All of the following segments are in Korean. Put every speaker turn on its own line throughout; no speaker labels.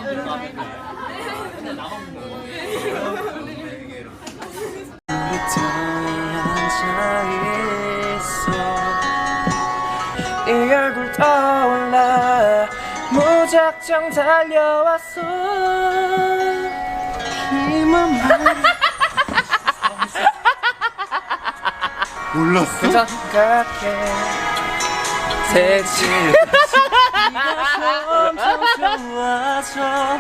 이 얼굴 떠올라 무작정 달려왔어 힘은
몰랐어?
생각해 색칠 엄청 좋아져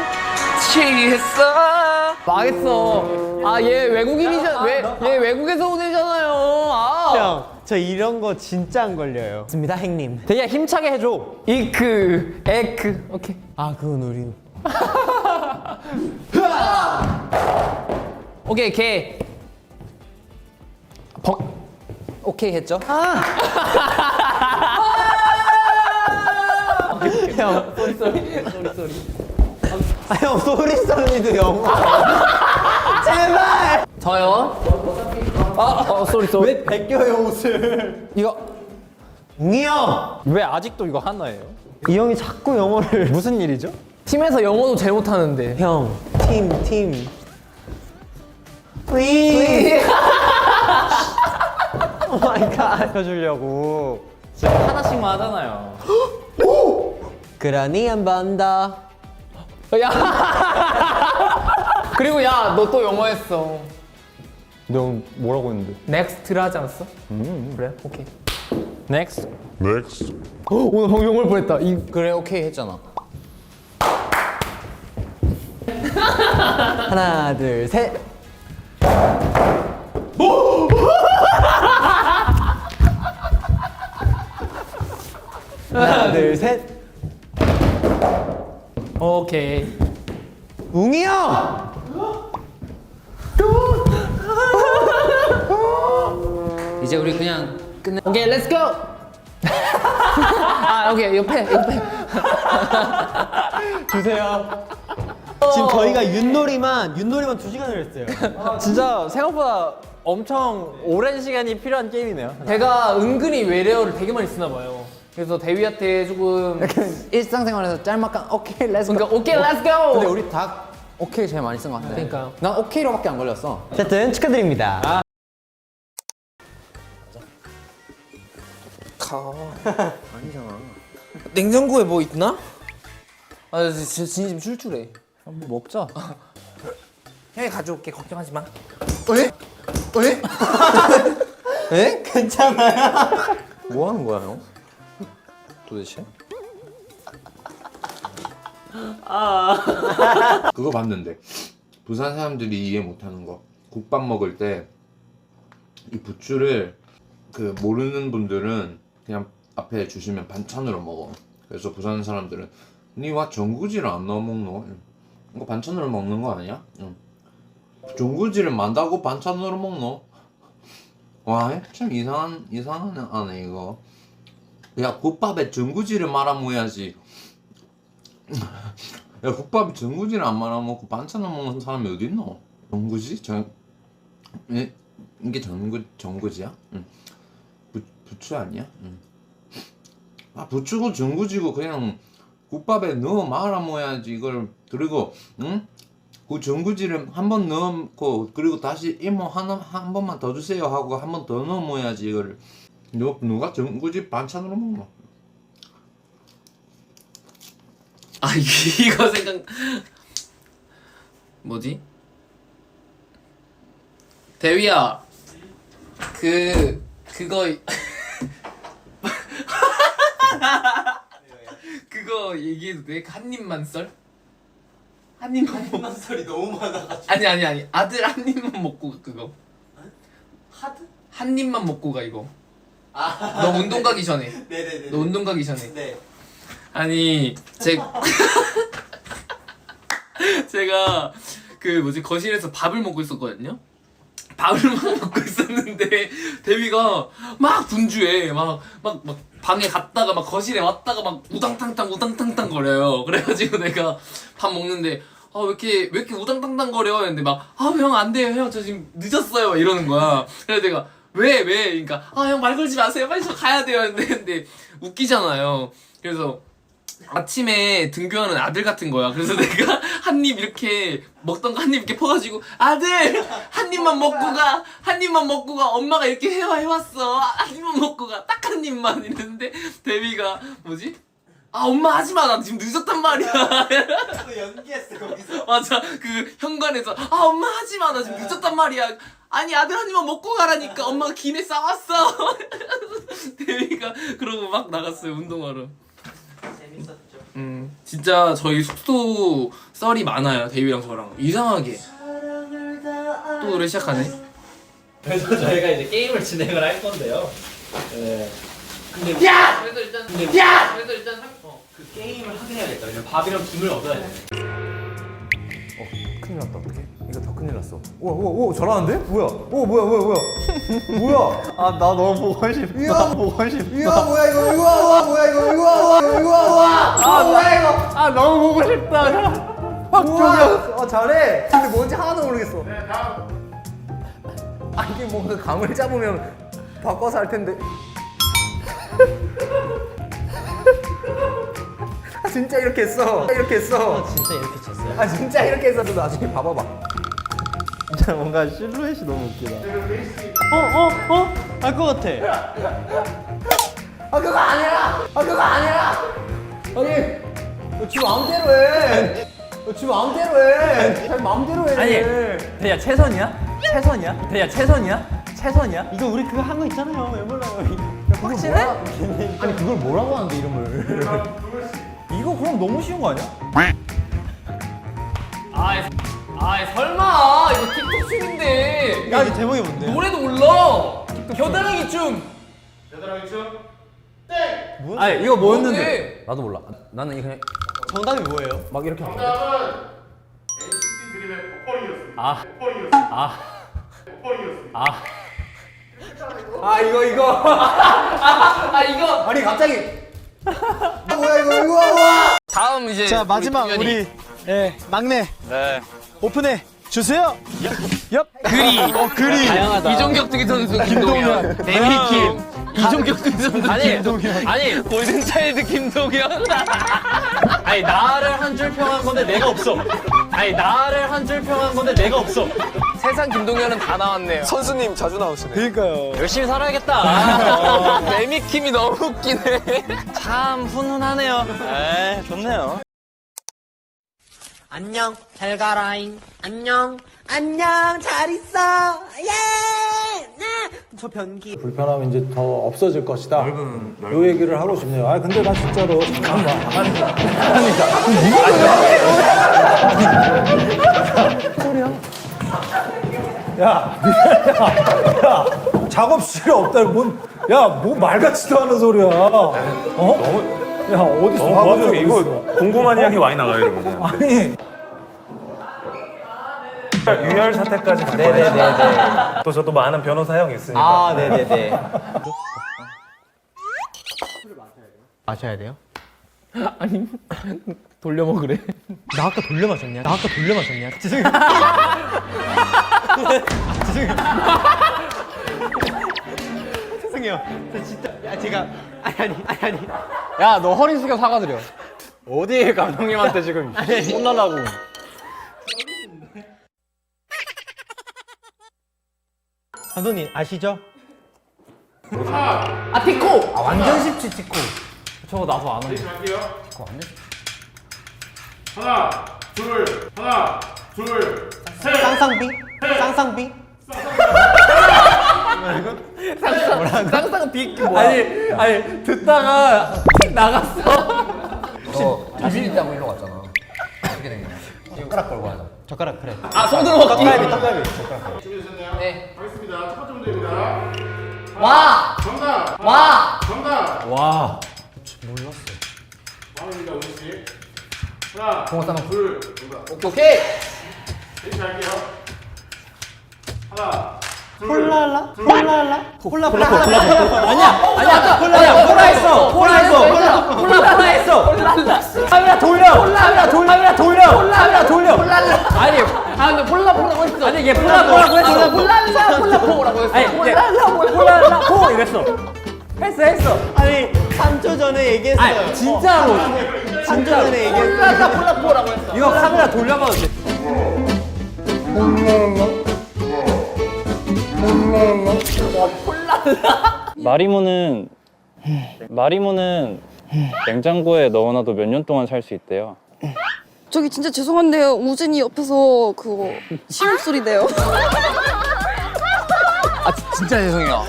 취했어.
망했어. 아, 얘 외국인이잖아. 얘 외국에서 온 애잖아요. 아.
형, 저 이런 거 진짜 안 걸려요.
맞습니다, 형님.
되게 힘차게 해줘. 이크, 에크. 오케이.
아, 그건 우리.
오케이, 개. 오케이 했죠?
형,
쏘리.
아, 형, 소리소리도 영어. 제발!
저요. 쏘리.
왜 벗겨요, 옷을?
이거
웅이 형!
왜 아직도 이거 하나예요?
이 형이 자꾸 영어를.
무슨 일이죠?
팀에서 영어도 제일 못하는데.
형, 팀. 위! 오 마이 갓.
펴주려고 지금 하나씩만 하잖아요.
그러니 한 번 더.
야. 그리고 야, 너 또 영어 했어.
너 뭐라고 했는데?
넥스트를 하지 않았어? 그래? 오케이.
Next.
오늘 방금 영어를 뻔했다.
그래 오케이 했잖아.
하나, 둘, 셋. 하나, 둘, 셋.
오케이.
웅이 형!
이제 우리 그냥 끝내.
오케이, 렛츠 고! 아, 오케이, 옆에.
주세요. 지금 저희가 윷놀이만 2시간을 했어요.
진짜 생각보다 엄청 오랜 시간이 필요한 게임이네요.
제가 은근히 외래어를 되게 많이 쓰나 봐요. 그래서 대위한테 조금
일상생활에서 짤막한 오케이 렛츠
그러니까 오케이, 렛츠 고!
근데 우리 다 오케이 제일 많이 쓴 것 같아.
그러니까요.
난 오케이로밖에 안 걸렸어.
어쨌든 축하드립니다.
아니잖아.
냉장고에 뭐 있나? 아, 진심 출출해.
한번 먹자.
형이 가져올게, 걱정하지 마.
에? 괜찮아요?
뭐 하는 거야 형? 도대체?
그거 봤는데 부산 사람들이 이해 못하는 거 국밥 먹을 때 이 부추를 그 모르는 분들은 그냥 앞에 주시면 반찬으로 먹어. 그래서 부산 사람들은 니와 전구지를 안 넣어 먹노? 이거 반찬으로 먹는 거 아니야? 응. 전구지를 만다고 반찬으로 먹노? 와 참 이상한 아네 이거. 야 국밥에 전구지를 말아 먹어야지. 야 국밥에 전구지를 안 말아 먹고 반찬을 먹는 사람이 어디 있노? 전구지? 이게 전구지야? 응. 부추 아니야? 응. 아 부추고 전구지고 그냥 국밥에 넣어 말아 먹어야지 이걸. 그리고 응? 그 전구지를 한 번 넣고 그리고 다시 이모 한 번만 더 주세요 하고 한 번 더 넣어 먹어야지 이걸. 누가 전구지 반찬으로 먹노?
아 이거 생각 뭐지? 대위야 그거 그거 얘기해도 돼? 한 입만 썰? 한 입만 썰이 너무 많아가지고 아니 아들 한 입만 먹고 가 그거 하드? 한 입만 먹고 가 이거 너 운동 가기 전에 네네네 너 운동 가기 전에 네 아니 제가 그 뭐지 거실에서 밥을 먹고 있었거든요. 밥을 막 먹고 있었는데 데뷔가 막 분주해. 막 방에 갔다가 막 거실에 왔다가 막 우당탕탕 거려요. 그래가지고 내가 밥 먹는데 왜 이렇게 우당탕탕 거려? 했는데 막 형 안 돼요 형 저 지금 늦었어요 막 이러는 거야. 그래서 내가 왜? 그러니까 형 말 걸지 마세요 빨리 저 가야 돼요. 근데 웃기잖아요. 그래서 아침에 등교하는 아들 같은 거야. 그래서 내가 한 입 이렇게 먹던 거 한 입 이렇게 퍼가지고 아들 한 입만 먹고 가, 한 입만 먹고 가. 엄마가 이렇게 해왔어. 한 입만 먹고 가. 딱 한 입만 이랬는데 데뷔가 뭐지? 아 엄마 하지마 나 지금 늦었단 말이야.
연기했어 거기서.
맞아 그 현관에서 아 엄마 하지마 나 지금 늦었단 말이야. 아니 아들 한 입만 먹고 가라니까 엄마가 김에 싸왔어. 데뷔가 그러고 막 나갔어요 운동하러. 진짜 저희 숙소 썰이 많아요 데뷔랑 저랑. 이상하게 또 노래 시작하네.
그래서 저희가 이제 게임을 진행을 할 건데요. 네. 근데
그래서 일단
그 게임을 하긴 해야겠다. 왜냐면 밥이랑 김을 얻어야 돼.
큰일 났다. 어떡해? 이거 더 큰일 났어. 오, 잘하는데? 뭐야? 뭐야? 뭐야?
아 나 너무 보고 싶다.
이야.
보고 싶다.
이거 뭐야 이거? 이거 뭐야 이거?
아 뭐야 이거? 아 너무 보고 싶다.
우와. 잘해. 근데 뭔지 하나도 모르겠어. 아 이게 뭔가 감을 잡으면 바꿔서 할 텐데. 아 진짜 이렇게 했어. 이렇게 했어.
진짜 이렇게 쳤어요.
아 진짜 이렇게 했어도 나중에 봐봐봐.
진짜 뭔가 실루엣이 너무 웃기다. 알 것 같아.
아 그거 아니야. 아니 지 마음대로 해. 지 마음대로 해. 잘 마음대로 해.
아니 대야 최선이야? 대야 최선이야?
이거 우리 그거 한 거 있잖아요. 왜 몰라요?
확실해? 아니 그걸 뭐라고 하는데 이름을.
이거 그럼 너무 쉬운 거 아니야? 아이 설마 이거 틱톡 춤인데.
야 이게 제목이 뭔데?
노래도 몰라. 겨드랑이 춤.
아니 이거
뭐였는데?
뭐였는데? 나도 몰라. 나는 그냥
정답이 뭐예요?
막 이렇게 하는데. 아 이거 아니 갑자기 뭐야 이거
다음 이제
자 마지막
우리
우리 예 막내 오픈해 주세요. 그리
이종격 투기 선수 김동현, 데뷔팀 이종격 투기 선수 김동현. 아니 골든차일드 김동현.
아니 나를 한 줄 평한 건데 내가 없어.
세상 김동현은 다 나왔네요.
선수님 자주 나오시네.
그러니까요.
열심히 살아야겠다.
매미킴이 너무 웃기네.
참 훈훈하네요. 에 좋네요.
안녕 잘 가라잉 안녕 잘 있어 저 변기
불편함이 이제 더 없어질 것이다. 요 얘기를 하고 싶네요. 아 근데 나 진짜로 잠깐만. 야, 작업실이 없다. 뭐 말같지도 않은 소리야. 어? 야, 어디서 작업실 이거
궁금한 이야기 많이 나가요, 이러면.
아니.
유혈 사태까지 갈 거예요. 또 저도 많은 변호사 형이 있으니까.
아 네네네. 마셔야 돼요?
아니 돌려 먹으래.
나 아까 돌려 마셨냐? 죄송해요. 죄송해요. 저 진짜 제가 아니.
야 너 허리 숙여 사과드려. 어디 감독님한테 지금 혼나려고.
감독님 아시죠?
아 티코.
완전 쉽지 티코.
저거 나도 안 하는데.
쌍쌍비?
쌍쌍 빅 뭐야? 아니 듣다가 틱 나갔어.
자신있다고 일로 갔잖아. 어떻게 된 거야? 젓가락 걸고 하자.
젓가락 그래.
아 손으로 먹기.
떡갈비.
네. 가겠습니다. 첫 번째 문제입니다. 와.
와.
동호 싸움.
오케이.
홀랄라? 홀라
아니야 폴라 했어.
카메라 돌려.
아니 근데 폴라라고 했어.
아니 얘 폴라라고 했어.
폴라라고 했어.
아니 얘 폴라라고 이랬어.
했어. 아니 3초 전에 얘기했어요.
아니, 진짜로.
3초 전에 얘기했어요.
이거 카메라 돌려봐도 돼.
마리모는 냉장고에 넣어놔도 몇 년 동안 살 수 있대요.
저기 진짜 죄송한데요. 우진이 옆에서 그거 시험 소리 내요.
진짜 죄송해요.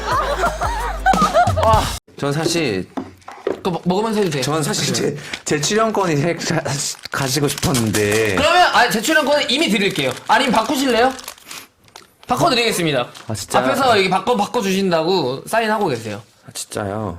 전 사실
또 먹으면서 해도 돼.
전 사실 제 출연권이 가지고 싶었는데.
그러면 제출연권은 이미 드릴게요. 아니면 바꾸실래요? 바꿔드리겠습니다.
아 진짜?
앞에서 여기 바꿔주신다고 사인하고 계세요.
아, 진짜요?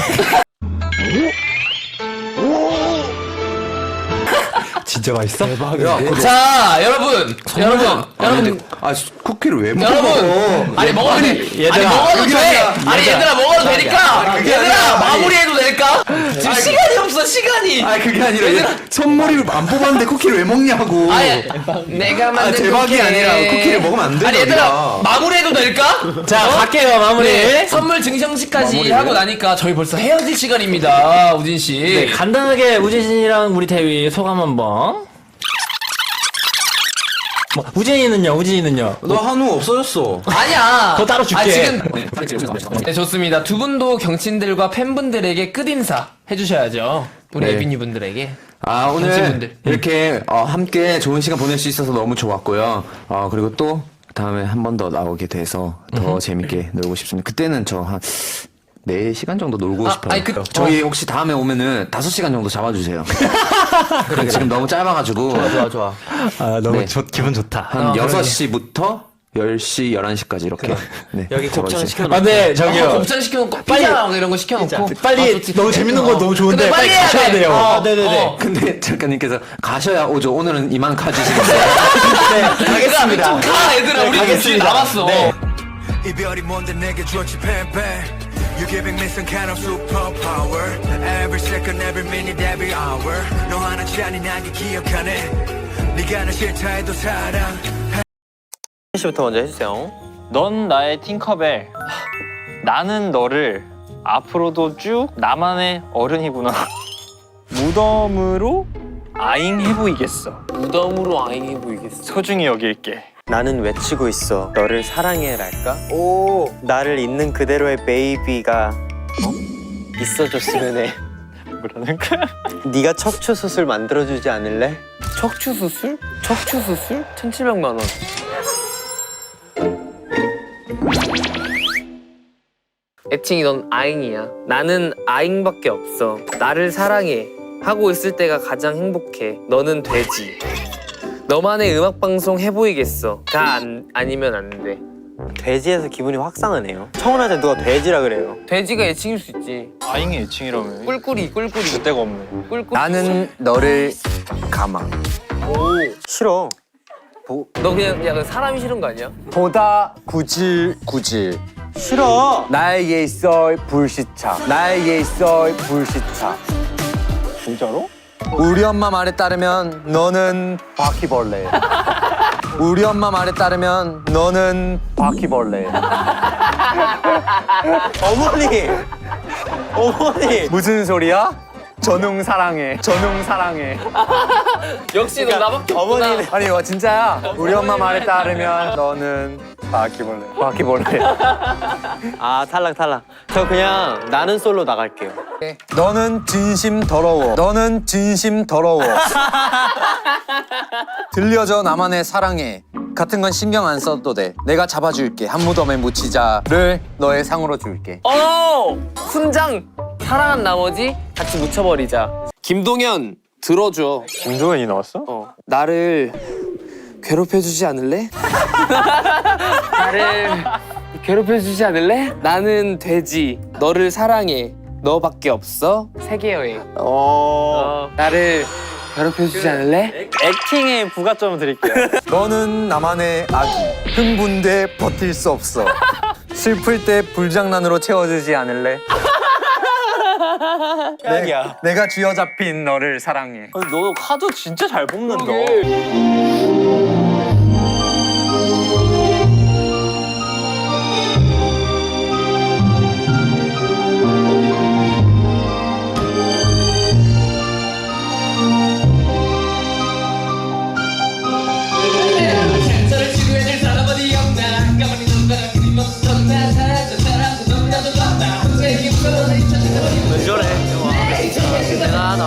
진짜 맛있어? 대박이야.
자, 여러분.
아 쿠키를 왜 먹어?
여러분, 아니 먹어도 돼. 아니 먹어도 돼. 아니 얘들아 먹어도 되니까. 얘들아 마무리해도 될까? 지금 시간이 없어 시간이.
아 그게 아니라 선물을 안 뽑았는데 쿠키를 왜 먹냐고.
아니 내가 만든
대박이
쿠키.
아니라 쿠키를 먹으면 안 돼.
아니 얘들아 마무리해도 될까?
자, 갈게요, 마무리.
네, 선물 증정식까지 하고 나니까 저희 벌써 헤어질 시간입니다, 우진 씨.
네, 간단하게 우진 씨랑 우리 대위 소감 한번. 우진이는요?
너 한우 없어졌어.
아니야.
그거 따로 줄게.
지금 네, 좋습니다. 두 분도 경친들과 팬분들에게 끝인사 해주셔야죠. 우리
네.
에비니 분들에게.
아 오늘
정치분들.
이렇게 함께 좋은 시간 보낼 수 있어서 너무 좋았고요. 그리고 또 다음에 한 번 더 나오게 돼서 더 재밌게 놀고 싶습니다. 그때는 저 한 4시간 정도 놀고 싶어요.
아니,
저희 혹시 다음에 오면은 5시간 정도 잡아주세요. 지금 너무 짧아가지고.
좋아.
아 너무
네.
기분 좋다.
한 6시부터 10시, 11시까지 이렇게. 네,
여기 곱창
잡아주세요.
시켜놓고. 네, 저기요.
곱창 시켜놓고 피자 이런 거 시켜놓고.
빨리 너무 재밌는 거 너무 좋은데
근데
빨리
빨리
가셔야
해야 돼.
돼요.
네네네.
근데 작가님께서 가셔야 오죠. 오늘은 이만 가주시는데.
가겠습니다.
좀 가, 얘들아. 우리 집에 남았어.
네.
이별이 뭔데 내게 줬지 팬팬 You giving me some kind of superpower Every second, every minute, every hour 너 하나치 아닌 나게 기억하네 네가 나 싫다 해도 사랑
씨부터 먼저 해주세요.
넌 나의 팅커벨. 나는 너를 앞으로도 쭉 나만의 어른이구나. 무덤으로 아잉해 보이겠어.
무덤으로 아잉해 보이겠어.
소중히 여길게.
나는 외치고 있어. 너를 사랑해랄까? 오, 나를 있는 그대로의 베이비가 있어줬으면 해.
뭐라는 거야?
네가 척추 수술 만들어주지 않을래?
척추 수술? 1,700만 원. 애칭이 넌 아잉이야. 나는 아잉밖에 없어. 나를 사랑해. 하고 있을 때가 가장 행복해. 너는 돼지. 너만의 음악방송 해보이겠어. 다 아니면 안 돼.
돼지에서 기분이 확 상하네요. 청혼할 때 누가 돼지라 그래요.
돼지가 애칭일 수 있지.
아잉의 애칭이라며.
꿀꿀이.
그때가 없네.
꿀꿀.
나는 너를 감아.
싫어.
너 그냥 약간 사람이 싫은 거 아니야?
보다 구질.
싫어.
나에게 있어 불시차. 나에게 있어 불시차.
진짜로?
우리 엄마 말에 따르면 너는 바퀴벌레. 우리 엄마 말에 따르면 너는 바퀴벌레.
어머니.
무슨 소리야? 전웅 사랑해. 전웅 사랑해.
역시 너 나밖에 없구나.
어머니는
아니 이거 진짜야. 우리 엄마 말에 따르면 너는 바퀴벌레. 바퀴벌레.
아 탈락. 저 그냥 나는 솔로 나갈게요.
너는 진심 더러워. 너는 진심 더러워. 들려줘 나만의 사랑해. 같은 건 신경 안 써도 돼. 내가 잡아줄게. 한 무덤에 묻히자를 너의 상으로 줄게.
훈장. 사랑한 나머지 같이 묻혀버리자. 김동현 들어줘.
김동현이 나왔어?
나를 괴롭혀주지 않을래? 나를 괴롭혀주지 않을래? 나는 돼지. 너를 사랑해. 너밖에 없어. 세계 여행. 나를 괴롭혀주지 않을래?
액팅에 부가점을 드릴게요.
너는 나만의 아기. 흥분돼 버틸 수 없어. 슬플 때 불장난으로 채워주지 않을래? 내가 쥐어잡힌 너를 사랑해.
너 카드 진짜 잘 뽑는다.
왜 저래? 와, 대단하다.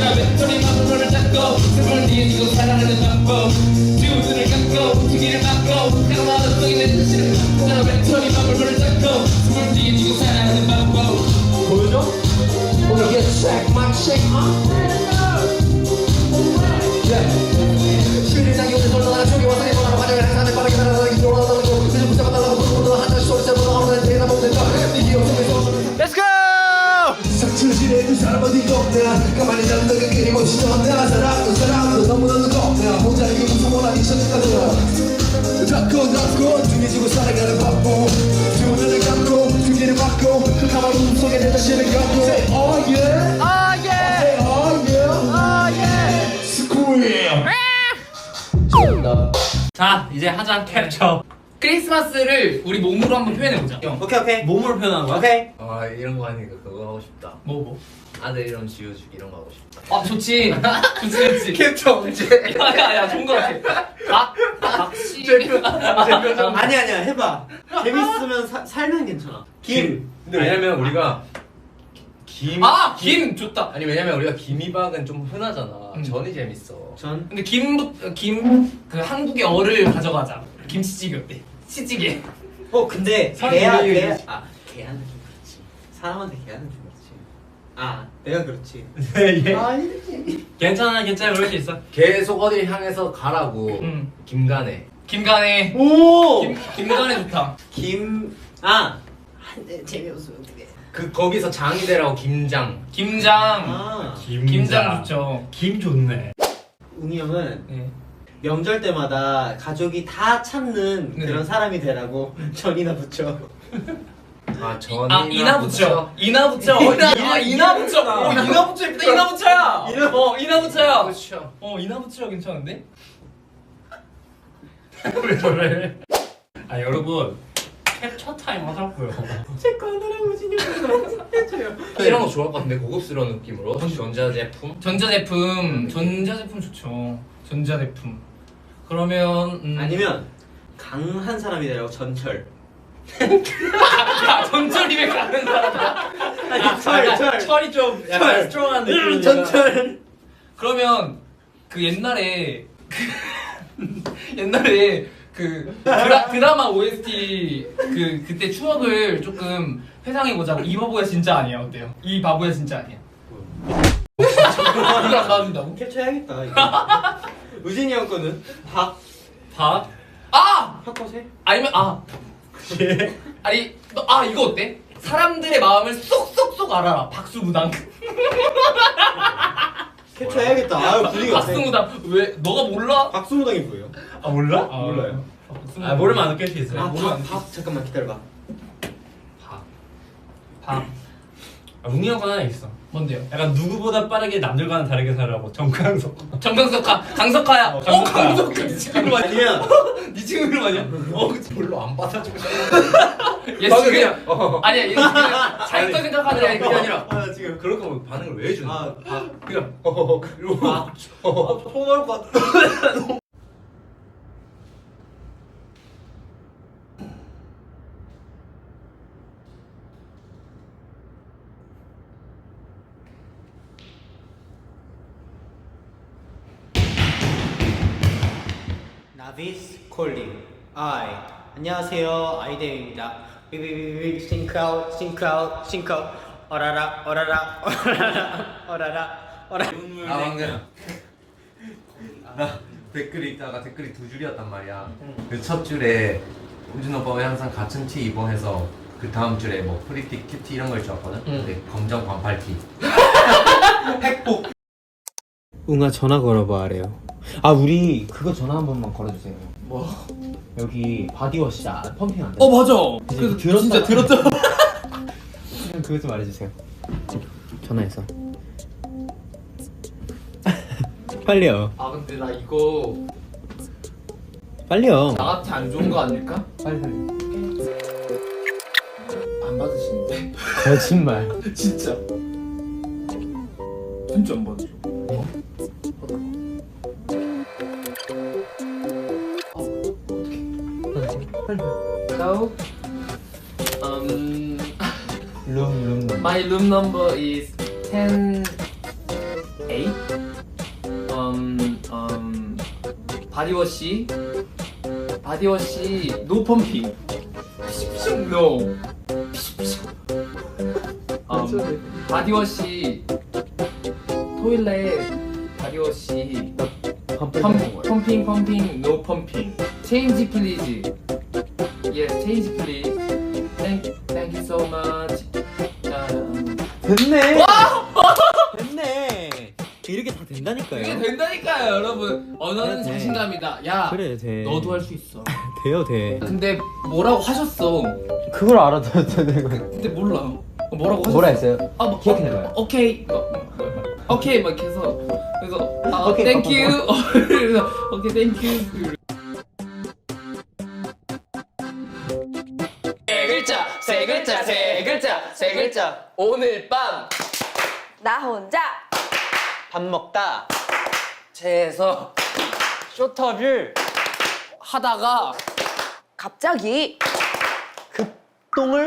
Let's go!
상처질해준 사람 어디가 없냐 가만히 자는 너가 끊임없이 전해라 사랑도 사람도 너무너무 겁나 모자이게 무서워라 이 천지까지 닫고 중해지고 살아가는 바보 두 눈을 감고 두 개를 막고 그 가만 웃음 속에 내 자신을 감고 Say oh yeah
Oh yeah!
Say oh yeah
Oh yeah!
Squeal
자 이제 하자 캡처. 크리스마스를 우리 몸으로 한번 표현해보자.
오케이. 몸으로 표현하는 거야? 오케이.
아 이런 거 하니까 그거 하고 싶다.
뭐?
아들 이름 지어주기 이런 거 하고 싶다.
아 좋지. 좋지.
캡처 언제?
야야야 좋은 거 같아. 박씨.
아니야 해봐. 재밌으면 살면 괜찮아. 김.
근데 왜냐면 우리가
김 좋다.
아니 왜냐면 우리가 김이박은 좀 흔하잖아. 전이 재밌어.
전.
근데 김 그 한국의 어를 가져가자. 김치찌개 어때? 치찌개.
근데
사람이
걔한테
왜
좀 그렇지. 사람한테 걔한테 좀 그렇지. 내가 그렇지. 괜찮아 그럴 수 있어.
계속 어딜 향해서 가라고. 김간에.
김간에.
오.
김간에 좋다.
재미없으면 어떡해.
그 거기서 장이 되라고 김장.
김장 좋죠.
김 좋네.
웅이 형은
네.
명절 때마다 가족이 다 찾는
네.
그런 사람이 되라고 전이나 붙여.
아 전이나
이나 붙여. 이나 붙여. 이나 붙여. 이나 붙여. 예쁘다. 이나 붙여야. 이나 붙여야.
그렇죠.
이나 붙여 괜찮은데?
왜 저래? 아 여러분 캡처 타임 하자고요.
제거 하나랑 우진이 형이랑 해줘요.
이런 거 좋을 것 같은데 고급스러운 느낌으로. 전자제품.
전자제품 좋죠. 전자제품. 그러면
아니면 강한 사람이 되라고 전철.
야 전철이면 가는 사람이야.
철이 좀 약간 스트롱한 느낌. 전철.
그러면 그 옛날에 그 드라마 OST 그때 추억을 조금 회상해 보자고. 이 바보야 진짜 아니야 어때요? 이 바보야 진짜 아니야. 이거 안 나와준다고?
캡처해야겠다. 이거. 우진이 형 거는 박. 팝컷에?
아니면 아니 이거 어때? 사람들의 마음을 쏙쏙쏙 알아라. 박수무당.
캡처해야겠다. 분위기가
박수무당. 왜 너가 몰라?
박수무당이 뭐예요?
몰라?
몰라요.
모르면 안 웃길 수 있어요.
박 잠깐만 기다려봐.
박.
웅이 형 건 하나 있어.
뭔데요?
약간 누구보다 빠르게 남들과는 다르게 살라고 정강석.
강석하야. 강석하. 네 친구 아니야?
아니면
네 친구 이름 아니야?
별로 안 받아주고
얘 지금 아니야 얘 지금 자기 거 생각하는 게 그게 아니라
지금
그럴 거면 반응을 왜 해주는 거야? 그냥 그리고
통 나올 것 같아. 나비스 콜링 안녕하세요 아이데이입니다. 비비비비 싱크아웃 어라라
방금 나 댓글 읽다가 댓글이 두 줄이었단 말이야. 그 첫 줄에 우진 오빠가 항상 같은 티 입어 해서 그 다음 줄에 뭐 프리티 큐티 이런 걸 좋았거든. 근데 검정 반팔티.
핵복. 웅아 전화 걸어봐 아래요. 우리 그거 전화 한 번만 걸어주세요. 뭐? 여기 바디워시 펌핑 안 돼.
맞아.
그래서 진짜 들었죠. 그거 좀 말해주세요. 전화해서. 빨리요.
근데 나 이거
빨리요.
나한테 안 좋은 거 아닐까?
빨리.
안 받으시는데?
거짓말.
진짜 안 받으셔.
룸
My room number is 10 8. 바디워시 no pumping. No. 바디워시 토일렛 바디워시 펌핑 no pumping. Change please. Yes, change please. Thank you so much.
됐네. 됐네. 이렇게 다 된다니까요.
이게 된다니까요, 여러분. 언어는
그래, 돼.
자신감이다. 야,
그래 돼.
너도 할 수 있어.
돼요 돼.
근데 뭐라고 하셨어?
그걸 알아둬야 되는 거예요.
근데 몰라. 뭐라고 하셨어?
뭐라 했어요?
아, 뭐,
기억해내봐요.
오케이. 오케이 막 해서 그래서
오케이,
땡큐. 그래서 오케이 땡큐. 세 글자. 오늘 밤
나 혼자
밥 먹다
채에서
쇼터를
하다가
갑자기
똥을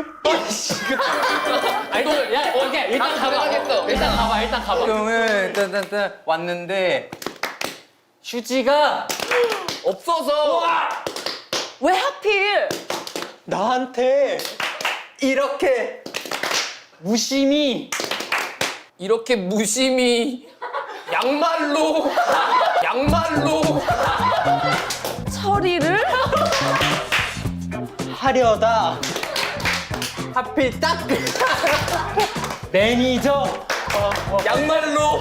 아니 야 오케이 일단 가봐야겠어. 일단 가봐.
똥을 딴 왔는데 휴지가
없어서
왜 하필
나한테 이렇게 무심히
이렇게 무심히 양말로
처리를
하려다 하필 딱 매니저
양말로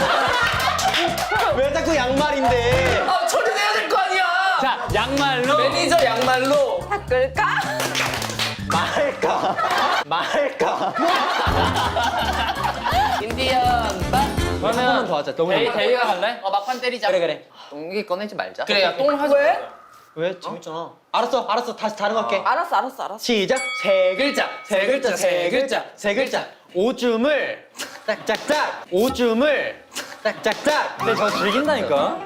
왜 자꾸 양말인데
처리해야 될 거 아니야.
자 양말로
매니저 양말로
닦을까?
말까
인디언 반.
그러면 더 하자. 너무
대위가 갈래? 막판 때리자.
그래
똥기 꺼내지 말자. 그래 야 똥 하자.
왜?
재밌잖아. 알았어 다시 다른 거 할게.
알았어.
시작. 세 글자. 오줌을 짝짝짝. 근데 저 즐긴다니까.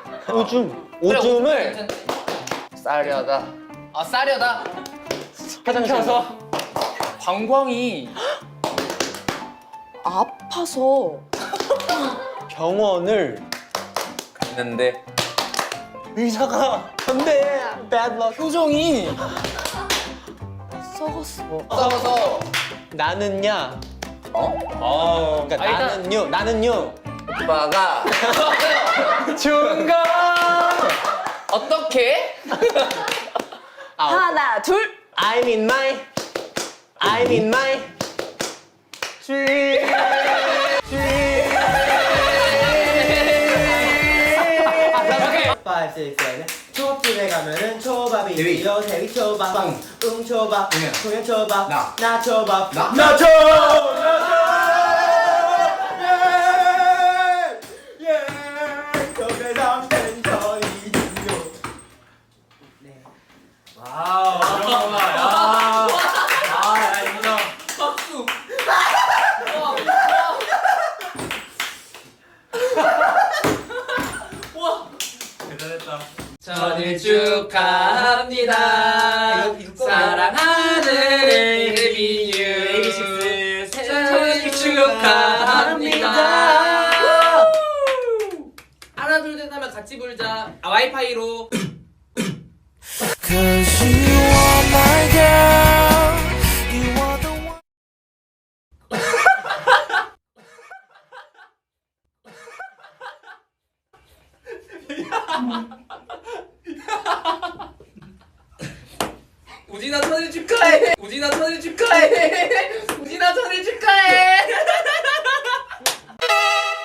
오줌을
싸려다. 싸려다.
화장실에서
방광이
아파서
병원을
갔는데
의사가 안돼 bad luck
표정이
썩었어.
썩어서
나는야 그러니까
아, 일단-
나는요
오빠가
중간
어떻게?
하나 둘.
I'm in my dream. 초밥집에 가면은 초밥이 있죠. 대위초밥, 웅초밥, 소년초밥, 나초밥,
박수. 생일 축하합니다. 사랑하는 에비뉴 생일 축하합니다. 하나 둘 셋 하면 같이 불자. 와이파이로.
Cause you are my girl. You are the one.
우진아 천일 축하해. 우진아 천일 축하해. 우진아 천일 축하해.